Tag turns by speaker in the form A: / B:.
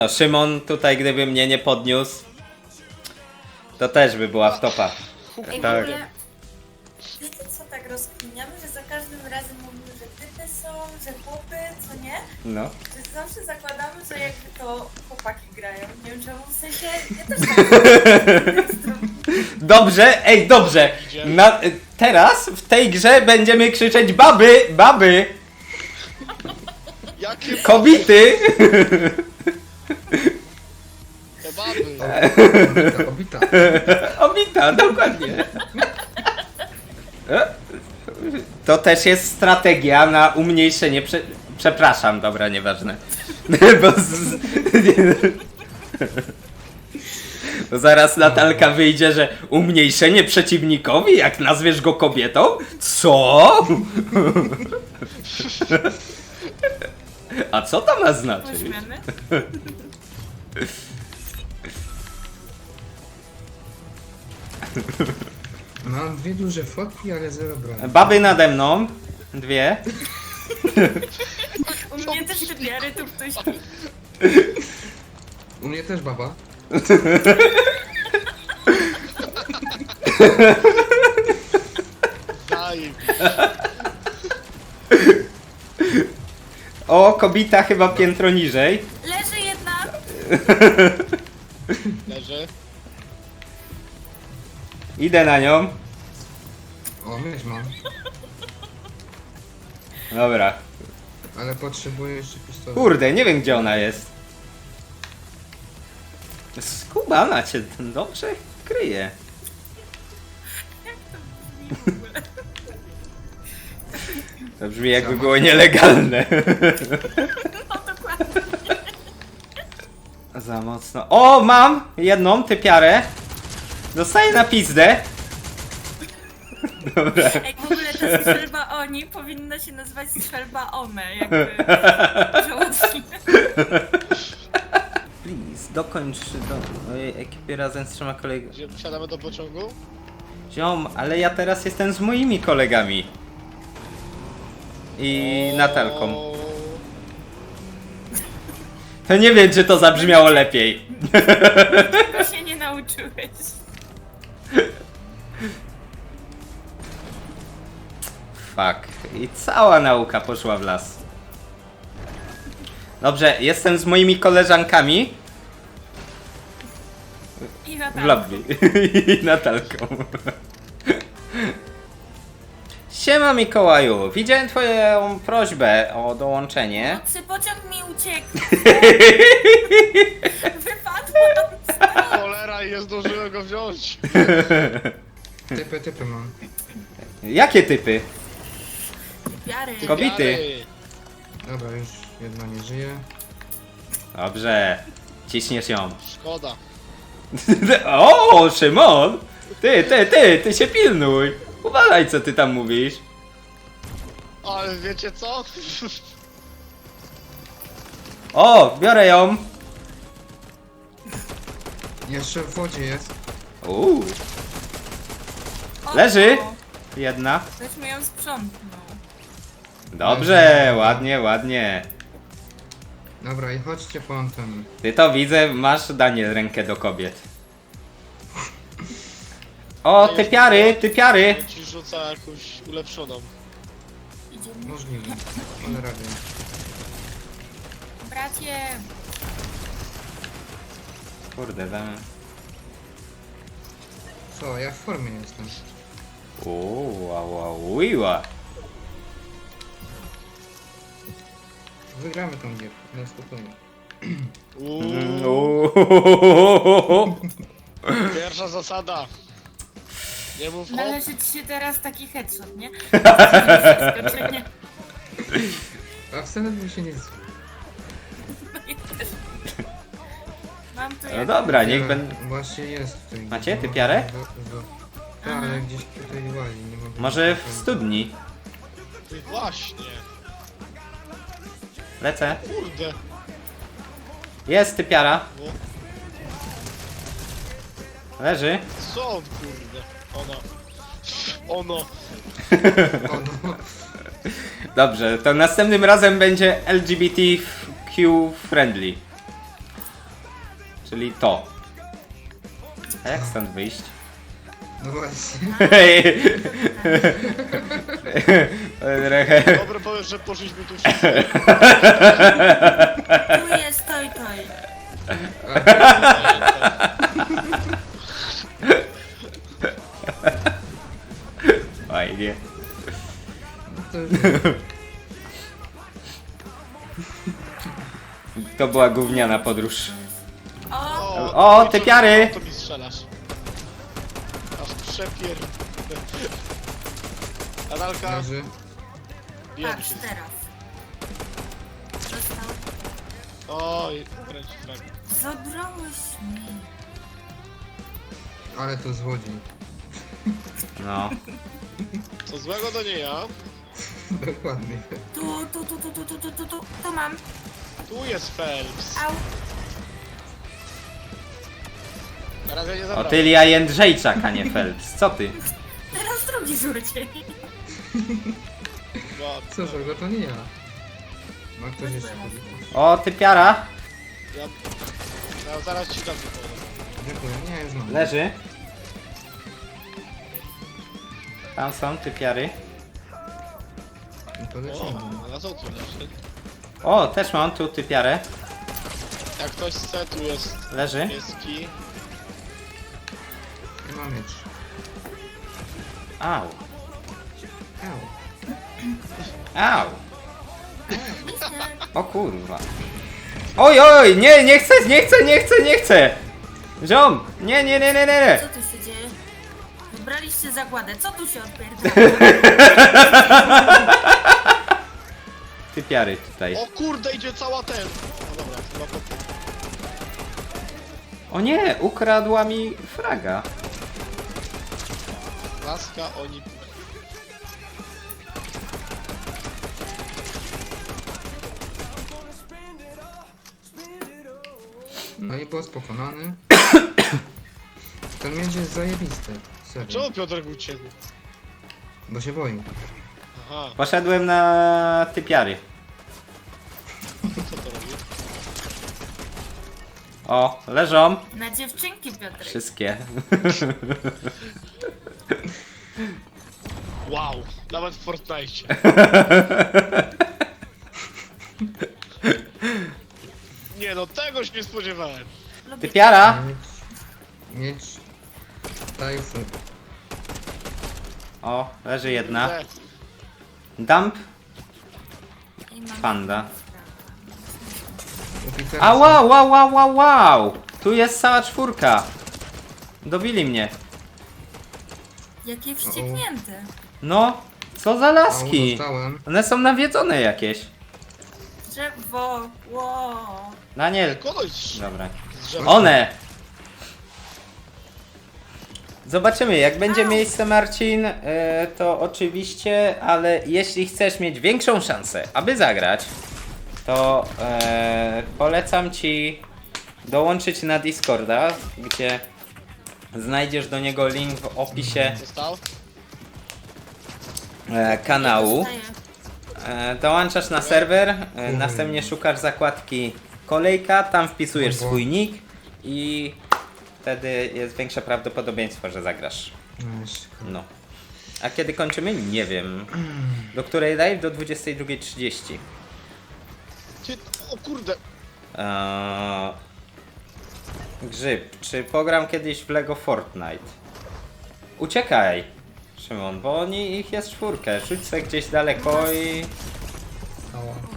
A: No, Szymon tutaj, gdyby mnie nie podniósł, to też by była w topa.
B: Ej, w
A: Tak.
B: ogóle, wiecie co tak rozkminiamy, że za każdym razem mówimy, że typy są, że chłopy, co nie?
A: No.
B: Że zawsze zakładamy, że jakby to chłopaki grają. Nie wiem czemu, w sensie, ja też tak
A: Dobrze, ej, dobrze. Teraz w tej grze będziemy krzyczeć baby, baby,
C: Jakie
A: kobiety.
C: to baby?
D: Obita.
A: Obita, dokładnie. To też jest strategia na umniejszenie. Przepraszam, dobra, nieważne. Bo zaraz Natalka wyjdzie, że umniejszenie przeciwnikowi, jak nazwiesz go kobietą? Co? A co to ma znaczyć?
B: Weźmiemy.
D: Mam dwie duże fotki, ale zero broni.
A: Baby nade mną. Dwie.
B: U mnie też te piary tu ktoś...
D: U mnie też baba.
C: Daj.
A: O, kobita chyba piętro niżej.
B: Leży jedna!
C: Leży.
A: Idę na nią.
D: O, mieć mam.
A: Dobra.
D: Ale potrzebuję jeszcze pistolet.
A: Kurde, nie wiem gdzie ona jest. Skubana cię dobrze kryje. To brzmi jakby było nielegalne.
B: No dokładnie.
A: Za mocno. O, mam jedną typiarę. Dostaję na pizdę. Dobra.
B: Ej, w ogóle ta strzelba oni powinna się nazywać strzelba one, jakby... żołądki.
A: Please, dokończ do mojej ekipy razem z 3 kolegami.
C: Gdzie wsiadamy do pociągu?
A: Ziom, ale ja teraz jestem z moimi kolegami. I Natalką.
C: O,
A: To nie wiem, czy to zabrzmiało lepiej.
B: Tego się nie nauczyłeś.
A: Fuck. I cała nauka poszła w las. Dobrze, jestem z moimi koleżankami
B: I
A: w
B: Natalką.
A: lobby. I Natalką. Siema Mikołaju, widziałem twoją prośbę o dołączenie.
B: Nocy pociąg mi uciekł. Wypadłam.
C: cholera, i nie zdążyłem go wziąć.
D: Typy mam.
A: Jakie typy?
B: Piary.
A: Kobity.
C: Jary.
D: Dobra, już jedna nie żyje.
A: Dobrze, ciśniesz ją.
C: Szkoda.
A: O, Szymon! Ty się pilnuj! Uważaj, co ty tam mówisz.
C: Ale wiecie co?
A: O, biorę ją!
D: Jeszcze w wodzie jest.
A: Uuu,
B: O,
A: leży!
B: o,
A: Jedna.
B: Ktoś mi ją sprzątnął.
A: Dobrze, ładnie, ładnie.
D: Dobra, i chodźcie po antenę.
A: Ty to widzę, masz Daniel rękę do kobiet. O, typiary!
C: Ci rzuca jakąś ulepszoną.
B: Idziemy.
D: Możliwe. Ale radę.
B: Bracie.
A: Kurde, dam.
D: Co, ja w formie jestem.
A: Uuu, uiła.
D: Wygramy tą gierkę, na spokojnie.
A: Uuu.
C: Pierwsza zasada. Nie mów hop.
B: Należy ci się teraz taki headshot, nie? Zaskoczenie.
D: A wcale by się nie zło.
B: Mam tu
A: No
B: jak...
A: dobra, niech będę...
D: Właśnie jest w tej
A: Macie
D: grze.
A: typiarę?
D: Tak, ale gdzieś tutaj łazi, nie mogę...
A: Może w studni.
C: Ty właśnie.
A: Lecę.
C: Kurde.
A: Jest typiara.
C: No,
A: Leży.
C: co on kurde? Ona. Ono.
D: O, no.
A: Dobrze, to następnym razem będzie LGBTQ friendly. Czyli to. A jak stąd wyjść?
D: No właśnie.
A: Trochę...
C: Dobry powiesz, że poszliśmy tu wszyscy.
B: Tu jest toj toj.
A: Fajnie.
D: To już...
A: To była gówniana podróż.
B: O,
A: O, te piary!
C: To mi strzelasz. Aż przepier... Nadalka,
D: Leży.
C: bijemy
B: patrz
C: się.
B: teraz. Został.
C: Oj, wręcz tak.
B: Zabrałeś mi.
D: Ale to złodziej.
A: No.
C: Co złego to nie ja.
D: Dokładnie.
B: Tu mam.
C: Tu jest Phelps.
B: Au.
C: Teraz ja nie zabrałem.
A: Otylia Jędrzejczak, a nie Phelps. Co ty?
B: Teraz drugi rzucie.
C: Bo
D: Co z tego, to nie ja. Ma ktoś jeszcze?
A: O, typiara!
C: ja zaraz ci dam wypowiedź.
D: Dziękuję, nie, już mam.
A: Leży. Tam są typiary.
D: No to
C: O,
D: lecimy.
C: a co tu leży?
A: O, też mam tu typiarę.
C: Jak ktoś chce, tu jest
A: Leży.
C: pieski.
D: Nie mam miecz.
A: Au.
D: Au.
A: Au. O kurwa. Oj, oj, nie, nie chcę, nie chcę, nie chcę, nie chcę. Ziom, nie, nie, nie, nie, nie.
B: Co tu się dzieje? Wybraliście zagładę. Co tu się odpierdala?
A: Typiary tutaj.
C: O kurde, idzie cała ten. No dobra, chyba po...
A: O nie, ukradła mi fraga.
C: Laska, oni...
D: No i boss pokonany. Ten miecz jest zajebisty. Serio.
C: Czemu Piotrek uciekł?
D: Bo się boi.
C: Aha,
A: Poszedłem na typiary.
C: co to robi?
A: O, leżą.
B: Na dziewczynki, Piotrek.
A: Wszystkie.
C: Wow, nawet w Fortnite. Nie no, tego się nie spodziewałem.
B: Lubię
A: Typiara.
D: Miecz. Typhoon.
A: O, leży jedna.
C: Kurde,
A: Dump.
B: i mam-
A: Panda.
D: Oficer.
A: A wow, wow, wow, wow, wow. Tu jest cała czwórka. Dobili mnie.
B: Jaki wścieknięty.
A: No, co za laski.
D: Dostałem.
A: One są nawiedzone jakieś.
B: Drzewo. Ło.
A: Daniel.
C: kogoś z
A: Dobra.
C: drzewa.
A: One! Zobaczymy, jak będzie miejsce, Marcin, to oczywiście, ale jeśli chcesz mieć większą szansę, aby zagrać, to polecam Ci dołączyć na Discorda, gdzie znajdziesz do niego link w opisie
C: Został?
A: kanału.
B: Dostaję.
A: Dołączasz na serwer, następnie szukasz zakładki kolejka, tam wpisujesz swój nick i wtedy jest większe prawdopodobieństwo, że zagrasz. No. A kiedy kończymy? Nie wiem. Do której live? Do 22:30.
C: Ty, o kurde.
A: Grzyb, czy pogram kiedyś w Lego Fortnite? Uciekaj, Szymon, bo ich jest czwórkę. Rzuć se gdzieś daleko i...
D: Ała.